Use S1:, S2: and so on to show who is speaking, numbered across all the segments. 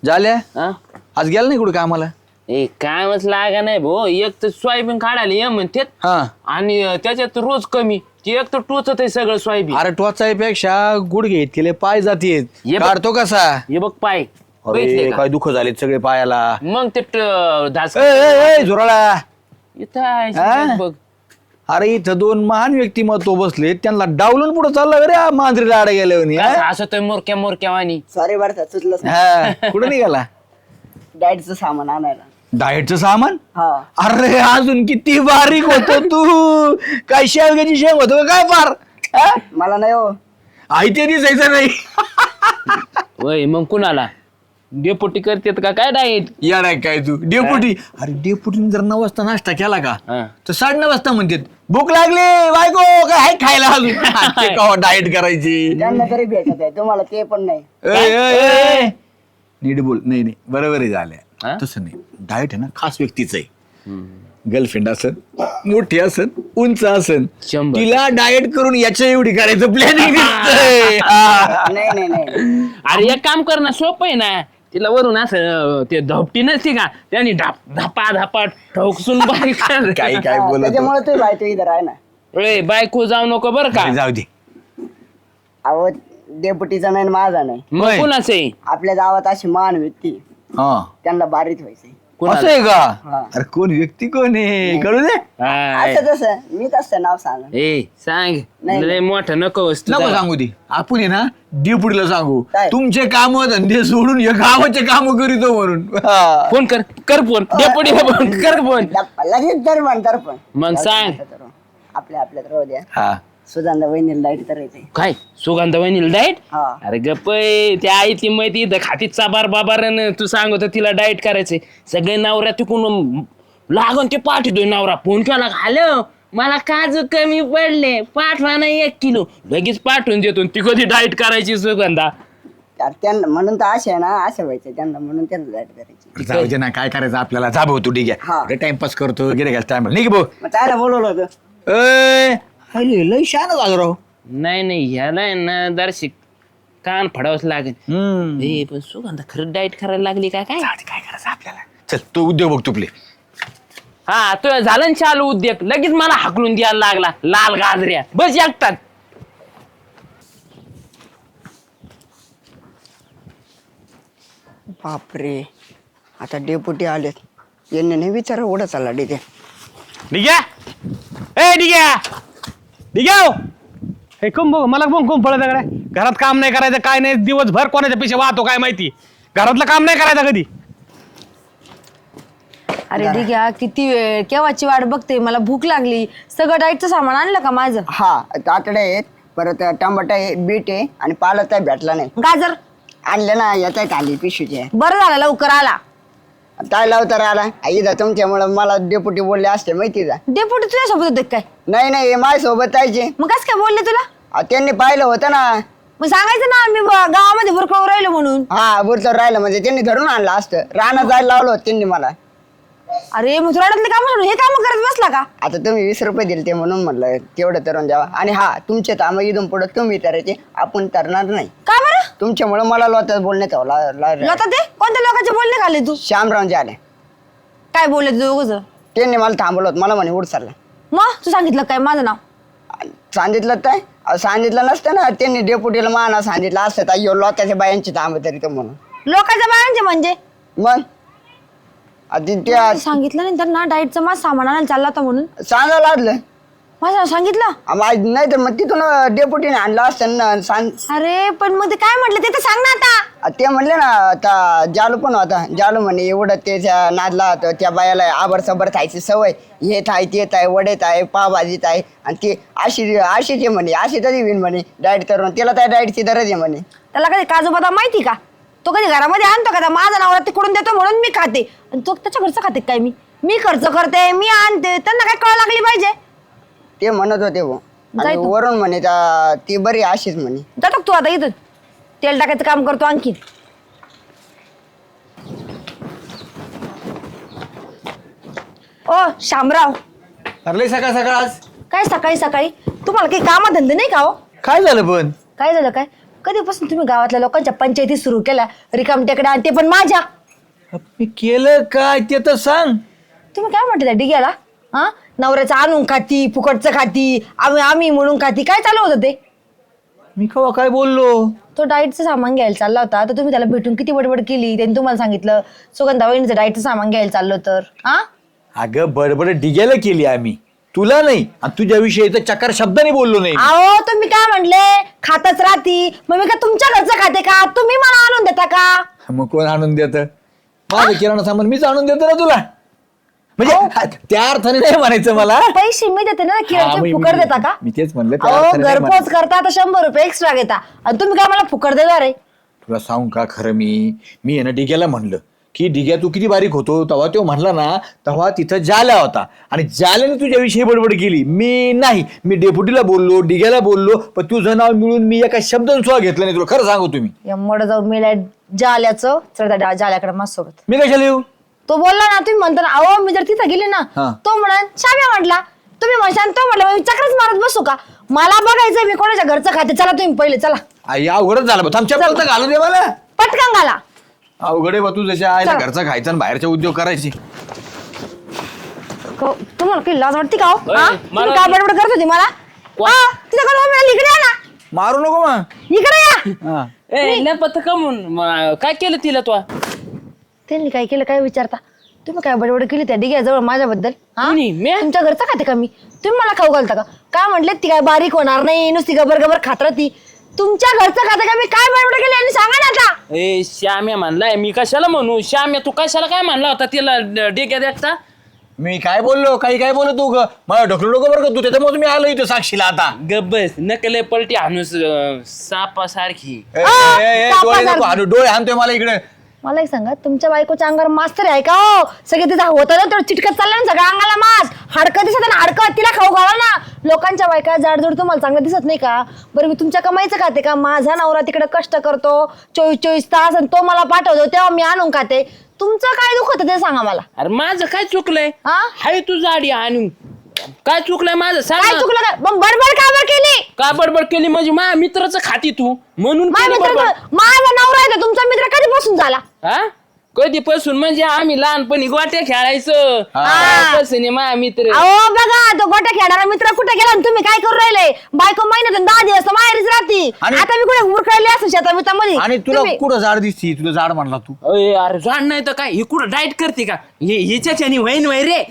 S1: झाल्या
S2: हा?
S1: आज गेला नाही कुठे कामाला?
S2: ए काय मग लागा नाही भाऊ, एक तर सोयाबीन काढायला ये म्हणतात
S1: हा
S2: आणि त्याच्यात रोज कमी ते एक तर टोचत आहे सगळं सोयाबीन.
S1: अरे टोचाईपेक्षा गुडघे इतकेले पाय जातील.
S2: ये बघ.
S1: काढतो कसा?
S2: हे बघ पाय बघितले
S1: अरे
S2: का?
S1: काय दुःख झाले सगळे पायाला.
S2: मग ते धास
S1: झुराळा.
S2: इथं आहे
S1: हा?
S2: शिल्लक बघ.
S1: अरे इथं दोन महान व्यक्तिमत्व बसले, त्यांना डावलून पुढे चालला रे मांजरीला आडा गेल्यावर.
S2: कसं हसतोय मोरक्या मोरक्या वाणी.
S3: सॉरी बरं का, चुकलंच
S1: हा कुठे निघाला?
S3: डाएटचं सामान आणायला.
S1: डाएटचं सामान?
S3: हा
S1: अरे अजून किती बारीक होतो तू. काय शेवग्याची शेंग होतो काय फार? हा?
S3: मला नाही हो.
S1: आई ते दिसायचं नाही.
S2: वय मग कुणाला डेपोटी करतेत का काय डाएट?
S1: येणार काय तू डेपुटी? अरे डेपुटीने जर 9 वाजता नाश्ता केला का तर 9:30 वाजता म्हणतात भूक लागली बायको काय आहे खायला अजून. डाएट करायची.
S3: त्यांना तरी भेटत आहे, तुम्हाला ते पण नाही.
S1: नीट बोल. नाही नाही बरोबर आहे
S2: हा?
S1: झाल्या. तसं नाही, डाएट आहे ना खास व्यक्तीच आहे. गर्लफ्रेंड असन, मोठी असन, उंच असन,
S2: 100.
S1: तिला डाएट करून याच्या एवढी करायचं प्लॅनिंग दिसतंय.
S3: नाही नाही नाही
S2: अरे एक काम कर ना, सोपं आहे ना. तिला वरून असं ते धपटी नसते का, त्यांनी धापा धापा ठोकसून बारीक कर.
S1: काय काय बोलत
S3: त्याच्यामुळे तुम्ही बायतो इथं आहे ना.
S2: ए बायको जाऊ नको बरं का.
S1: जाऊ दे.
S3: अहो डेपुटीचा नाही माझा नाही.
S2: मग कुणाचं आहे?
S3: आपल्या गावात अशी महान व्यक्ती,
S1: हा
S3: त्यांना बारीक व्हायचंय.
S1: असं आहे का?
S3: हा.
S1: अरे कोण व्यक्ती कोण आहे कळू दे.
S2: हाय.
S3: असं तसं मी तसं नाव सांग.
S2: ए सांग
S3: नाही.
S2: लय मोठं नको वस्तू
S1: नको सांगू दे. आपण आहे ना डेपुटीला सांगू
S3: काय?
S1: तुमचे काम धंदे सोडून हे गावाचे काम करीतो म्हणून. हा.
S2: फोन कर फोन डेपोटीला फोन कर फोन.
S3: लगेच तर म्हणतात पण
S2: मग सांग.
S3: आपल्या आपल्यात राहू द्या.
S1: हा
S3: सुधांदा वहिनीला डाईट करायचंय.
S2: काय सुगंधा वहिनीला डाएट?
S3: हा
S2: अरे गप्प त्या आईची माहिती इथं खाती चाबार बाबार तू सांगत तिला डाएट करायचंय. सगळे नवरा तिकून लागून ते पाठवतोय. नवरा फोन केला, हॅलो मला काजू कमी पडले पाठवा ना 1 किलो. लगेच पाठवून देतो. ती कधी डाएट करायची सुगंधा?
S3: तर त्यांना म्हणून तर असे आहे ना, असं व्हायचं त्यांना म्हणून त्यांना डाईट करायची.
S1: जाऊ दे ना काय करायचं आपल्याला. जा भाऊ तू ठीक
S3: हा.
S1: आहे टाइमपास करतो गिरे टाइम नाही की भाऊ.
S3: मग त्याला बोलवलं होतं.
S1: लय शान झालं राव.
S2: नाही नाही ह्याला आहे ना दर्शिक कान फडावंच लागेल. ए पण सुगंधा खरं डाएट करायला लागली का काय?
S1: काय करायचं आपल्याला. चल तू उद्योग बघ तुपले.
S2: हा तो झालं ना चालू उद्योग. लगेच मला हाकलून द्यायला लागला लाल गाजऱ्या बस एकटात.
S3: बापरे, आता डेपुटी आलेत. यांनी नाही विचारा उडा चालला डिगे.
S4: डिग्या ए डिग्या हे कोण बघ मला कोण पळत कडे. घरात काम नाही करायचं काय नाही, दिवसभर कोणाच्या पेक्षा वाहतो काय माहिती. घरातलं काम नाही करायचं कधी.
S5: अरे ठीक आहे, किती वेळ केव्हाची वाट बघते, मला भूक लागली. सगळं डाएटचं सामान आणलं का माझं?
S3: हा काकडे आहेत, परत टमाटा आहे, बीट आहे आणि पालक काय भेटला नाही.
S5: गाजर
S3: आणले ना येत आहेत आली पिशवीचे.
S5: बरं झालं लवकर आला.
S3: काय लावता आला इथं तुमच्यामुळे मला डेपुटी बोलले असते माहिती का.
S5: डेपुटी तुझ्यासोबत होते काय?
S3: नाही नाही हे माझ्यासोबत यायचे.
S5: मग कसं काय बोलले तुला?
S3: त्यांनी पाहिलं होतं ना.
S5: मग सांगायचं ना मी गावामध्ये बुरकळून राहिलो म्हणून.
S3: हा बुरतर राहिलं म्हणजे त्यांनी धरून आणलं असतं. रानात जायला लावलं होतं त्यांनी मला.
S5: अरे मग तुराडातले काम म्हणून हे काम करत बसला का?
S3: आता तुम्ही 20 रुपये दिले ते म्हणून म्हणलं तेवढं तरून द्यावा. आणि हा तुमचे काम इथून पुढे तुम्ही करायचे, आपण करणार नाही.
S5: का बरं?
S3: तुमच्यामुळे मला लोतात बोलण्यात
S5: लोता ते कोणत्या लोकांचे बोलणे खाल्ले तू?
S3: श्यामरावचे आले.
S5: काय बोलले तू दोघं?
S3: त्यांनी मला थांबवलं होतं. मला म्हणे उठ चालला.
S5: मग तू सांगितलं काय माझं नाव?
S3: सांगितलं काय सांगितलं नसतं ना. त्यांनी डेपुटीला माना सांगितलं असतं तर लोकांच्या बायांची थांब तरी तो म्हणून.
S5: लोकांच्या बायांचे म्हणजे?
S3: मग आधी त्या
S5: सांगितलं नाही त्यांना डाएटचं माझं सामान आणायला चालला होता म्हणून.
S3: सांगायला लागलं.
S5: माझं नाव सांगितलं?
S3: नाही तर मग तिथून डेपुटीने आणलं असतं ना.
S5: अरे पण मग ते काय म्हटलं ते तर सांग ना आता.
S3: ते म्हणले ना आता जालू पण होता. जालू म्हणे एवढं त्याच्या नादला होतं. त्या बायाला आबर सबर खायची सवय. हेत आहे तेत आहे वडेत आहे पावभाजीत आहे. आणि ते अशीच आहे म्हणे. अशी तरी विन म्हणे डाएट करून. त्याला त्या डाएटची गरज आहे म्हणे.
S5: त्याला कधी काजू बदाम माहिती का? तो कधी घरामध्ये आणतो का? माझं नाव तिकडून देतो म्हणून मी खाते. आणि तो त्याच्या घरचं खाते काय? मी खर्च करते, मी आणते, त्यांना काय कळ लागली पाहिजे.
S3: ते म्हणत होते भाऊ. आणि
S5: जाय तू.
S3: वरून म्हणे ती बरी अशीच म्हणे.
S5: जातो तू आता इथून. तेल टाकायचं काम करतो आणखी. ओ शामराव,
S1: अरे सकाळ सकाळ आज
S5: काय सकाळी सकाळी तुम्हाला काही कामधंदे नाही का हो?
S1: काय झालं पण?
S5: काय झालं काय? कधीपासून तुम्ही गावातल्या लोकांच्या पंचायती सुरू केल्या रिकामटेकडे आणि ते पण माझ्या.
S1: मी केलं काय ते तर सांग.
S5: तुम्ही काय म्हणते त्या डिग्याला? हा, नवऱ्याचं आणून खाती, फुकटचं खाती, आम्ही म्हणून खाती, काय चालू होतं ते?
S1: मी कवा काय बोललो?
S5: तो डाएटचं सामान घ्यायला चालला होता तर तुम्ही त्याला भेटून किती बडबड केली. त्यांनी तुम्हाला सांगितलं सुगंधा वहिनीचं डाएटचं सामान घ्यायला चाललो तर. हा,
S1: अगं बडबड डिग्याला केली आम्ही, तुला नाही. आणि तुझ्याविषयी तर चकार शब्दाने बोललो नाही.
S5: अहो तुम्ही काय म्हणले खातच राहती, मग मी का तुमच्या घरचं खाते का? तुम्ही मला आणून देता का?
S1: मग कोण आणून देत? माझं किराणा सामान मीच आणून देतो ना तुला. म्हणजे त्या अर्थाने नाही म्हणायचं मला.
S5: पैसे मी देते ना,
S1: हा,
S5: किराणा
S1: मी-
S5: फुकट देता का?
S1: मी तेच म्हणलं, त्या
S5: अहो
S1: अर्थाने नाही
S5: घरपोच करता तर 100 रुपये एक्स्ट्रा घेता आणि तुम्ही काय मला फुकट देणार आहे?
S1: तुला सांगू का खरं, मी आहे ना डिग्याला म्हणलं की डिग्या तू किती बारीक होतो, तेव्हा तो म्हणला ना, तेव्हा तिथं जाल्या होता आणि जाल्याने तुझ्याविषयी बडबड केली. मी नाही, मी डेप्युटीला बोललो, डिग्याला बोललो, पण तुझं नाव मिळून मी एका शब्दाने सुद्धा घेतलं नाही. तुला खरं सांगू तुम्ही.
S5: या मड जाऊन मेल्या जाल्याचं चढ जाल्याकडे माझ्यासोबत.
S1: मी कशाला येऊ?
S5: तो बोलला ना, तुम्ही म्हणता ना अहो मी जर तिथं गेली ना,
S1: हा.
S5: तो म्हणा शाम्या म्हटला, तुम्ही म्हणशान तो म्हटलं मी चक्रच मारत बसू का? मला बघायचं मी कोणाच्या घरचं खाते. चला तुम्ही पहिले चला.
S1: आई अवघडच झालं बा. थांब चप्पल तर घालू दे मला.
S5: पटकन घाला.
S1: अवघड आहे बा तू, जशा आईला
S5: चला.
S1: घरचा खायचा आणि बाहेरचे उद्योग करायचे.
S5: तुम्हाला काही लाज वाटते का हो?
S2: ओय,
S5: हा?
S2: मला-
S5: तुम्ही काय बडबड करत होती मला?
S2: कोण?
S5: हा, तिथं कोण उभं आहे? इकडे या ना,
S1: मारू नको मग.
S5: इकडे या.
S1: हा.
S2: पत कमून काय केलं तिला तू?
S5: त्यांनी काय केलं काय विचारता? तुम्ही काय बडबड केली त्या डिग्याजवळ माझ्याबद्दल? हा?
S2: कोणी? मी?
S5: तुमच्या घरचं खाते का मी? तुम्ही मला खाऊ घालता का? काय म्हटले ती काय बारीक होणार नाही, नुसती गबर गबर खात राहती. तुमच्या घरचं खाते का मी? काय बडबड केली आणि सांगा ना आता.
S2: ए श्याम्या म्हणलाय, मी कशाला म्हणू? श्याम्या तू कशाला काय म्हणला होता तिला डेक्या देखता?
S1: मी काय बोललो, काही काय बोलत तू मला ढकलू नको बरं का तू. त्याच्यामुळे मी आलो इथं साक्षीला आता.
S2: गब्बस नकले पलटी हाणूस सापासारखी.
S1: ए,
S5: आ,
S1: ए, ए,
S5: तापा
S1: डोळे नको
S5: सारखी.
S1: हाणू, डोळे हाणतोय मला इकडे.
S5: मला एक सांगा, तुमच्या बायकोच्या अंगावर मास्तर आहे का हो? सगळे तिथं होतं ना तेवढं चिटकत चाललं ना सगळ्या अंगाला मास. हाडकं दिसत ना, हाडकं तिला खाऊ घाला ना. लोकांच्या बायका जाडजूड तुम्हाला चांगलं दिसत नाही का? बरं मी तुमच्या कमाईचं खाते का? माझा नवरा तिकडे कष्ट करतो 24 तास आणि तो मला पाठवतो तेव्हा मी आणून खाते. तुमचं काय दुखत ते सांगा मला.
S2: अरे माझं काय चुकलंय?
S5: हा?
S2: हाय तू जाडी आणून काय चुकलंय माझं? सांग
S5: काय
S2: ना.
S5: चुकलं काय? मग बडबड का बरं केली?
S2: का बडबड केली म्हणजे माझ्या मित्राचं खाती तू म्हणून
S5: माझ्या
S2: केली
S5: मित्राचा
S2: बडबड.
S5: माझा नवरा आहे तर तुमचा मित्र कधीपासून झाला?
S2: हा कधीपासून म्हणजे आम्ही लहानपणी गोट्या खेळायचं.
S5: हा.
S2: कसं नाही माझा मित्र.
S5: अहो बघा तो गोट्या खेळणारा मित्र कुठे गेला आणि तुम्ही काय करू राहिले? बायको महिन्यातून 10 दिवस माहेरीच राहती.
S1: आणि-
S5: आता मी कुठे उरकळली असं शेतामध्ये.
S1: आणि तुला कुठं झाड दिसती? तुला झाड म्हणला तू.
S2: अय, अरे जाण नाही तर काय हे कुठं डाएट करते का? हिच्याच्यानी वहीन वय रे.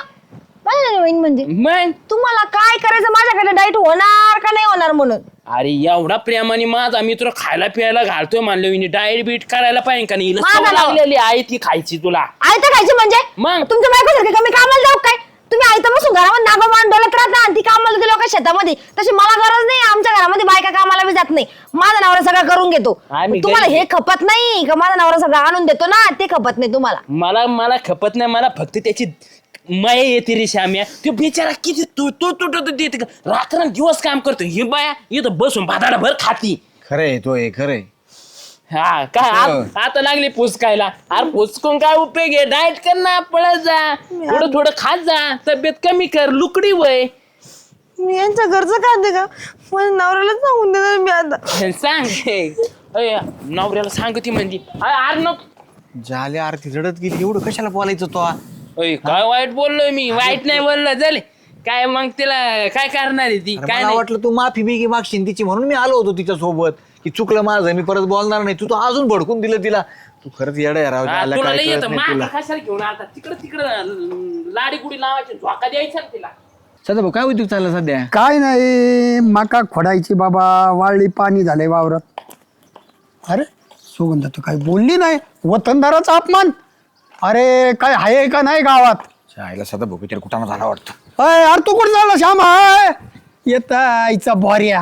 S5: म्हणजे
S2: मग
S5: तुम्हाला काय करायचं माझ्याकडे डाईट होणार का नाही होणार म्हणून?
S2: अरे एवढा प्रेमाने माझा मित्र खायला प्यायला घालतोय म्हणलं डाएट बीट करायला पाहिजे का नाही? हिला
S5: माझा
S2: सवय
S5: नाव.
S2: लागलेली आहे ती खायची तुला.
S5: आयतं खायची म्हणजे?
S2: मग?
S5: तुमच्या बायकोसारखी का मी कामाला जाऊ काय? तुम्ही आयतं बसून घरामध्ये नागोबान डोलत राहता आणि ती कामाला गेली लोक शेतामध्ये. तशी मला गरज नाही. आमच्या घरामध्ये बायका कामाला बी जात नाही. माझा नवरा सगळं करून घेतो.
S2: आम्ही
S5: तुम्हाला
S2: गरीब.
S5: हे खपत नाही का? माझा नवरा सगळं आणून देतो ना, ते खपत नाही तुम्हाला.
S2: मला मला खपत नाही. मला फक्त त्याची माया येते रे श्याम्या. तो बिचारा किती तू रात्र दिवस काम करतो. ही बाया इथं बसून भादाडा भर खाती.
S1: खरंय तो आहे, खरंय.
S2: हा काय आता लागली पुसकायला. अरे पुसकून काय उपयोग आहे? डाएट कर ना, पळत जा, थोडं थोडं खात जा, तब्येत कमी कर, लुकडी वय.
S5: मी यांच्या घरचं खाते का? माझ्या नवऱ्याला सांगून देणार मी आता.
S2: सांग अय, नवऱ्याला सांगती म्हणजे अरे नको.
S1: झाल्या आरती रडत गेली. एवढं कशाला बोलायचं तो?
S2: अय, काय वाईट बोललोय मी? वाईट नाही बोललो. झाले काय मग तिला काय करणार आहे ती? काय
S1: मला
S2: नाही.
S1: वाटलं तू माफी बिगी मागशील तिची, म्हणून मी आलो होतो तिच्या सोबत की चुकलं माझं, मी परत बोलणार नाही. तू तो अजून भडकून दिलं तिला. तू खरंच येडा आहे राव.
S2: हा,
S1: झाल्या
S2: तुला
S1: काय
S2: लई
S1: कळत
S2: येतं.
S1: नाही तुला.
S2: मागं कशाला घेऊन आता तिकडं लाडी गुडी लावायची, झोका द्यायचा ना तिला.
S1: सध्या भाऊ काय उद्योग चालला सध्या?
S6: काय नाही, मका खोडायची बाबा, वाळली पाणी झालंय वावरात. अरे सुगंधा तू काही बोलली नाही. वतनदाराचा अपमान. अरे काय आहे का नाही गावात?
S1: आईला सध्या भाऊ तिला कुठं झाला वाटतं.
S6: अय अरे तू कुठं झाला श्याम? हाय येता आईचा बोर्या.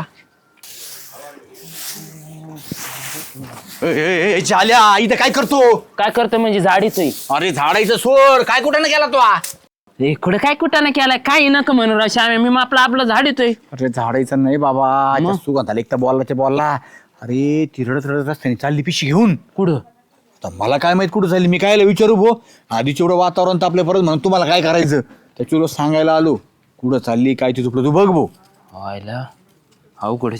S1: झाल्या इथं काय करतो?
S2: काय करतो म्हणजे झाडीतोय?
S1: अरे झाडायचं सोड. काय कुठं ना गेला तो?
S2: इकडे काय कुठं केलाय? काही नका म्हणू राव श्याम्या. मी आपलं झाड येतोय.
S1: अरे झाडायचं नाही बाबा. सुगंधाला एक तर बोलला. अरे ती रडत रडत रस्त्याने चालली पिशी घेऊन.
S2: कुठं?
S1: आता मला काय माहित कुठं झाली. मी कायला विचारू भो. आधीच एवढं वातावरण तापले परत म्हणून तुम्हाला काय करायचं त्याच्यावर सांगायला आलो. कुठं चालली काय ते चुकलं तू बघ भो.
S2: व्हायला अवघडच आहे.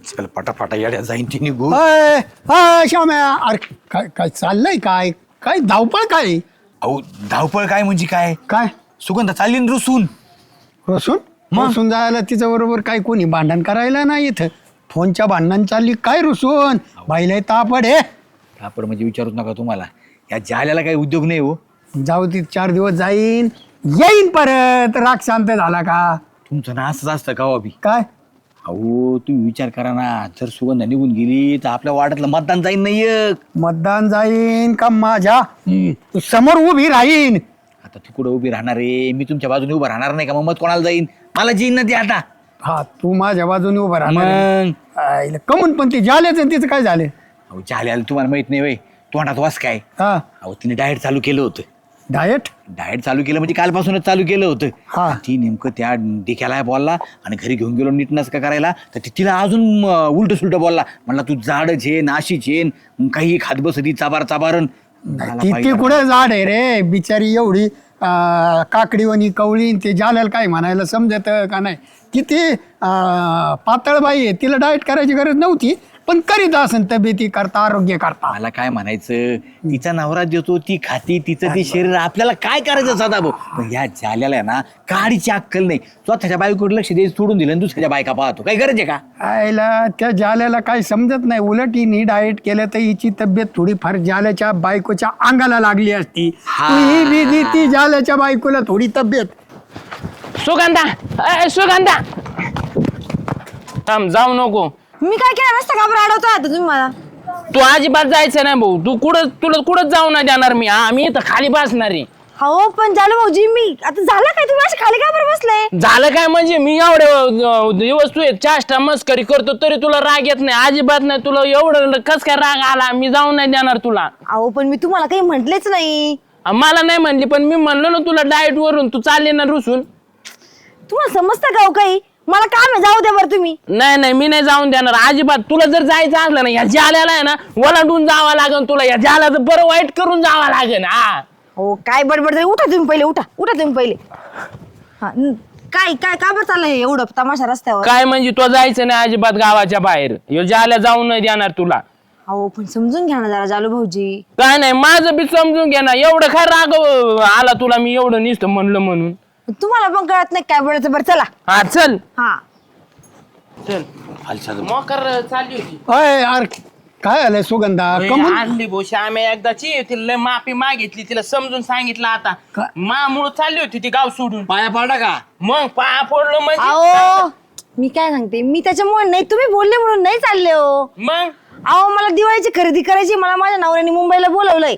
S1: चल पटापटा येड्या जाईन ती निघू.
S6: श्याम्या, अरे काय काय चाललंय, काय काय धावपळ काय
S1: अहो धावपळ काय म्हणजे काय?
S6: काय
S1: सुगंधा चालली ना रुसून.
S6: रसून रसून जायला तिच्या बरोबर काय कोणी भांडण करायला नाही इथं. फोनच्या भांडण चालली काय रुसून बाईला तापड हे.
S1: आपण म्हणजे विचारूच नका तुम्हाला, या जाल्याला काही उद्योग नाही हो.
S6: जाऊ ती 4 दिवस जाईन येईन परत. राग शांत झाला का?
S1: तुमचं ना असंच असतं का अभि?
S6: काय
S1: अहो तुम्ही विचार करा ना, जर सुगंधा निघून गेली तर आपल्या वाड्यातलं मतदान जाईन नाही एक.
S6: मतदान जाईन का माझ्या समोर उभी राहीन?
S1: आता ती कुठं उभी राहणार आहे? मी तुमच्या बाजूने उभं राहणार नाही का? मग मत कोणाला जाईन? मला जीन ना ती आता.
S6: हा तू माझ्या बाजूने उभा राहणार
S1: मग
S6: आईला कमून पण ती झाल्याच तिचं काय झालं?
S1: अहो जाल्याला तुम्हाला माहित नाही वय, तोंडात वास काय.
S6: हा
S1: अहो तिने डाएट चालू केलं होतं.
S6: डाएट
S1: डाएट चालू केलं म्हणजे कालपासूनच चालू केलं होतं.
S6: हा.
S1: ती नेमकं त्या डिक्याला बोलला आणि घरी घेऊन गेलो नीटनस का करायला, तर तिला अजून उलट सुलट बोलला. म्हणला तू जाडच आहे नाशीच आहे, काही खात बसती चाबार चाबारण.
S6: ती कुठे झाड आहे रे बिचारी एवढी काकडीवणी कवळी. ते झाल्याला काय म्हणायला समजत का नाही? किती पातळ बाई आहे, तिला डाएट करायची गरज नव्हती पण करीत असेल तब्येती करता आरोग्य करता.
S1: मला काय म्हणायचं, तिचा नवरा देतो ती खाती, तिचं ते शरीर, आपल्याला काय करायचं सदा भाऊ. पण या झाल्याला आहे ना काडीची अक्कल नाही. स्वतःच्या बायकोकडे लक्ष द्यायचं सोडून दिलं आणि दुसऱ्याच्या बायका पाहतो. काय गरज आहे का?
S6: आईला त्या जाल्याला काही समजत नाही. उलट हिने डाएट केलं तर हिची तब्येत थोडीफार जाल्याच्या बायकोच्या अंगाला लागली असती. ही बिजी ती जाल्याच्या बायकोला थोडी तब्येत.
S2: सुगंधा सुगंधा थांब, जाऊ नको.
S5: मी काय केलं नसतं का बरं अडवता आता तुम्ही मला?
S2: तू अजिबात जायचं नाही भाऊ. तू तुला कुठं जाऊ नाही देणार मी. आम्ही इथं खाली बसणार आहे.
S5: हो पण झालं भाऊजी, मी आता झालं काय? तुम्ही असे खाली का बरं बसले?
S2: झालं काय म्हणजे मी एवढे दिवस तू चाष्टा मस्करी करतो तरी तुला राग येत नाही? अजिबात नाही. तुला एवढं कस काय राग आला? मी जाऊन नाही देणार तुला.
S5: अहो पण मी तुम्हाला काही म्हटलेच नाही.
S2: मला नाही म्हणली पण मी म्हणलो ना तुला डाएट वरून तू चालले ना रुसून.
S5: तुम्हाला समजतं का हो काही? मला काम आहे, जाऊ द्या बरं तुम्ही.
S2: नाही मी नाही जाऊन देणार अजिबात. तुला जर जायचं असलं ना या जाल्याला आहे ना वलांडून जावं लागेल तुला. या जाल्याचं बरं वाईट करून जावं लागेल. हा
S5: हो काय बडबड झाली? उठा तुम्ही पहिले, उठा तुम्ही पहिले. हा काय काय का बरं चाललंय एवढं तमाशा रस्त्यावर?
S2: काय म्हणजे तू जायचं नाही अजिबात गावाच्या बाहेर. ह्यो जाल्या जाऊन नाही देणार तुला.
S5: अहो पण समजून घ्या ना जरा जालू भाऊजी.
S2: काय नाही माझं बी समजून घे ना. एवढं काय राग आला तुला मी एवढं नुसतं म्हणलं म्हणून?
S5: तुम्हाला पण कळत नाही काय बोलायचं? बरं चला.
S2: हा चल
S5: हा
S2: चल. मोकर चालली होती.
S6: अय यार काय आलंय सुगंधा? कमून
S2: आणली भोशी आम्ही एकदाची. तिला लय माफी मागितली, तिला समजून सांगितलं. आता मामुळ चालली होती ती गाव सोडून.
S1: पाया पाडा का?
S2: मग पाया पडलो म्हणजे
S5: अहो मी काय सांगते, मी त्याच्यामुळे नाही, तुम्ही बोलले म्हणून नाही चालले हो.
S2: मग
S5: अहो मला दिवाळीची खरेदी करायची. मला माझ्या नवऱ्याने मुंबईला बोलवलंय.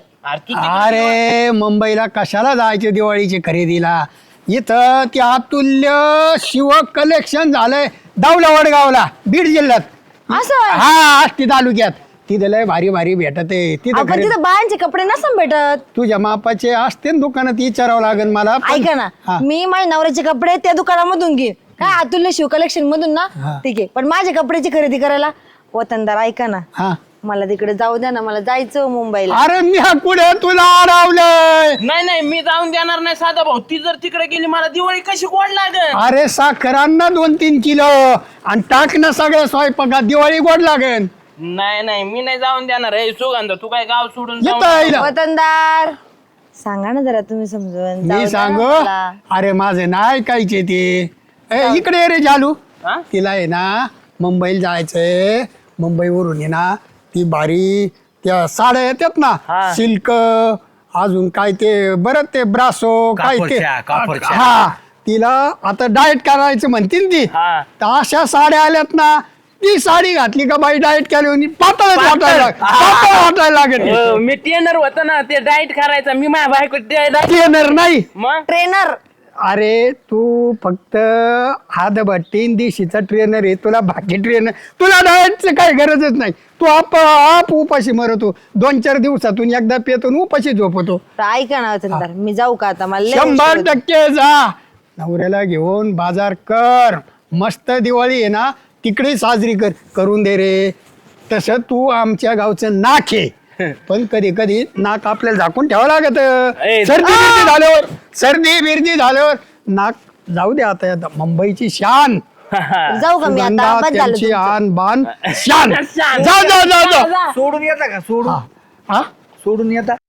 S6: अरे मुंबईला कशाला जायचे दिवाळीची खरेदीला? इथं ते अतुल्य शिव कलेक्शन झालंय दावला वडगावला बीड जिल्ह्यात.
S5: असं?
S6: हा आष्टी तालुक्यात. तिथे लय भारी भारी भेटत आहे तिथं.
S5: आपण तिथं बायांचे कपडे नसतात भेटत.
S6: तुझ्या मापाचे असते ना दुकानात, विचारावं लागेल मला.
S5: ऐका ना,
S6: हा.
S5: मी माझ्या नवऱ्याचे कपडे त्या दुकानामधून घेईन. काय अतुल्य शिव कलेक्शन मधून ना? ठीक आहे, पण माझ्या कपड्याची खरेदी करायला वतनदार ऐका ना,
S6: हा
S5: मला तिकडे जाऊ द्या ना. मला जायचं मुंबईला.
S6: अरे मी हा पुढे तुला अडवलंय.
S2: नाही मी जाऊन देणार नाही साधा भाऊ. ती जर तिकडे गेली मला दिवाळी कशी गोड लागेल?
S6: अरे साखरांना 2-3 किलो आणि टाक ना सगळ्या स्वयंपाकात, दिवाळी गोड लागेल.
S2: नाही मी नाही जाऊन देणार. हे सुगंधा तू काय गाव सोडून जाऊ
S6: येतं आईला.
S5: वतनदार सांगा ना जरा तुम्ही समजून. जाऊ
S6: मी
S5: द्या
S6: सांगू
S5: ना मला.
S6: अरे माझे नाही ऐकायचे ते. इकडे ये रे जालू.
S2: हा?
S6: तिला आहे ना मुंबईला जायचंय. मुंबईवरून आहे ना ती भारी त्या साड्या येतात ना,
S2: हा.
S6: सिल्क अजून काय ते बरं ते ब्रासो काय ते.
S1: कापडच्या.
S6: हा तिला आता डाएट करायचं म्हणते ना ती.
S2: हा.
S6: तर अशा साड्या आल्यात ना, ती साडी घातली का बाई डाएट केली पातळ वाटायला लागेल.
S2: मी ट्रेनर होतो ना, ते डाएट करायचा. मी माझ्या बायको
S6: ट्रेनर नाही.
S2: मग
S5: ट्रेनर.
S6: अरे तू फक्त हातभट्टीन दिशीचा ट्रेनर आहे, तुला बाकी ट्रेनर, तुला डाएटचं काही गरजच नाही. तू आप उपाशी मरतो. 2-4 दिवसातून एकदा पेतो उपाशी झोपतो.
S5: ऐका ना वतनदार, मी जाऊ का आता? मला लय
S6: 100% जा. नवऱ्याला घेऊन बाजार कर. मस्त दिवाळी आहे ना तिकडे साजरी करून दे रे. तसं तू आमच्या गावचं नाक आहे, पण कधी कधी नाक आपल्याला झाकून ठेवावं लागत. सर्दी बिर्दी झाल्यावर नाक जाऊ दे. आता मुंबईची शान
S5: जाऊ का मी आता
S6: सुगंधा,
S5: बस झालं
S6: त्यांची
S5: तुमचं.
S6: आन बान शान.
S2: शान.
S6: जा जा जा जा
S1: सोडून येता का सोडून
S6: हा
S1: सोडून येता